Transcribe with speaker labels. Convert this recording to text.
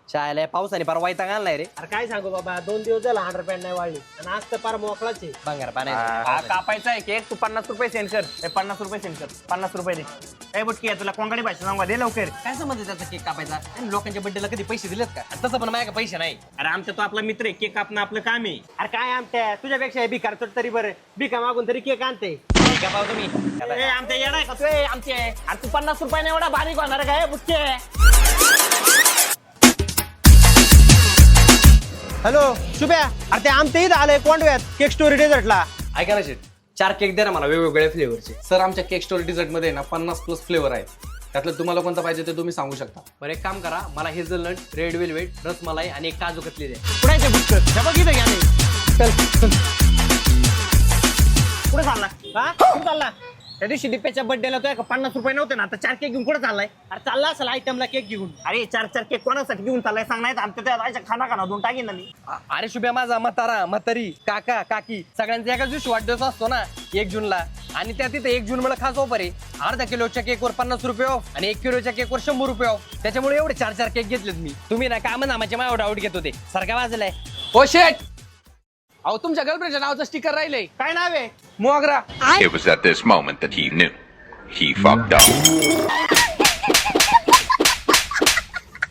Speaker 1: शाळेला पावसाने फार वैताग आणलाय रे.
Speaker 2: अरे काय सांगू बाबा, 2 दिवस झाला 100 नाही वाढली आणि आज तर फार मोकळाच आहे.
Speaker 1: भांगार
Speaker 3: हा,
Speaker 1: पाण्याचं.
Speaker 3: कापायचा आहे केक. तू 50 रुपये सेंड कर. 50 रुपये सेंड कर. 50 रुपये दे. ए बुटकी तुला कोंकणी भाषा सांगा दे लवकर.
Speaker 1: काय समज त्याचा केक कापायचा? आणि लोकांच्या बर्थडेला कधी पैसे दिलेत का? आणि तसं पण माझ्या पैसे नाही.
Speaker 3: अरे आमचा तो आपला मित्र आहे. केक कापणं आपलं काम आहे.
Speaker 2: अरे काय आमच्या तुझ्यापेक्षा भिकार चोट तरी बरं, भिका मागून तरी केक आणते.
Speaker 1: केक कापाव तुम्ही.
Speaker 3: ए, आमच्या येणार आहे का तू? ए, आमचे आहे. अरे तू 50 रुपयाने एवढा बारीक होणार आहे काय बुटके?
Speaker 2: हॅलो शुभ्या, अरे ते आमच्या इथं आलंय कोंडव्यात केक स्टोरी डेझर्टला.
Speaker 4: ऐका ना शेट,
Speaker 1: 4 केक दे ना मला वेगवेगळ्या फ्लेवरचे.
Speaker 4: सर आमच्या केक स्टोरी डिझर्ट मध्ये ना 50+ फ्लेवर आहेत. त्यातलं तुम्हाला कोणता पाहिजे ते तुम्ही सांगू शकता.
Speaker 1: बरं एक काम करा, मला हेझलनट, रेड वेलवेट, रसमलाई आणि एक काजू कतली द्या.
Speaker 2: कुणाचे बुटकर हे बघ इथं घ्या नाही. चल
Speaker 3: कुठे चालला?
Speaker 2: हा कुठं चालला?
Speaker 3: त्या दिवशी दिप्याच्या बर्थडेला तो 50 रुपये नव्हते ना, आता 4 केक घेऊन कुठे चाललाय?
Speaker 2: अरे चालला असेल आयटमला केक घेऊन.
Speaker 3: अरे 4 केक कोणासाठी घेऊन चाललाय सांग. नाही आमच्या त्या राहायच्या खाना दोन टाकीन ना मी.
Speaker 1: अरे शुभ्या माझा म्हातारा म्हातारी काका काकी सगळ्यांचा एकाच दिवशी वाढदिवस असतो ना 1 जूनला. आणि त्या तिथे 1 जून मला खास ऑफर आहे. अर्धा किलोच्या केकवर 50 रुपये ऑफ आणि 1 किलोच्या केकवर 100 रुपये ऑफ. त्याच्यामुळे एवढे 4 केक घेतलेत मी. तुम्ही ना काम नामाचे माझ्यावर डाऊट घेत होते. सारखा वाजलाय.
Speaker 4: ओ शेट, अहो तुमच्या गर्लफ्रेंडच्या नावाचं स्टिकर राहिलंय.
Speaker 2: काय नाव आहे?
Speaker 4: मोगरा.
Speaker 5: It was at this moment that he knew. He fucked up.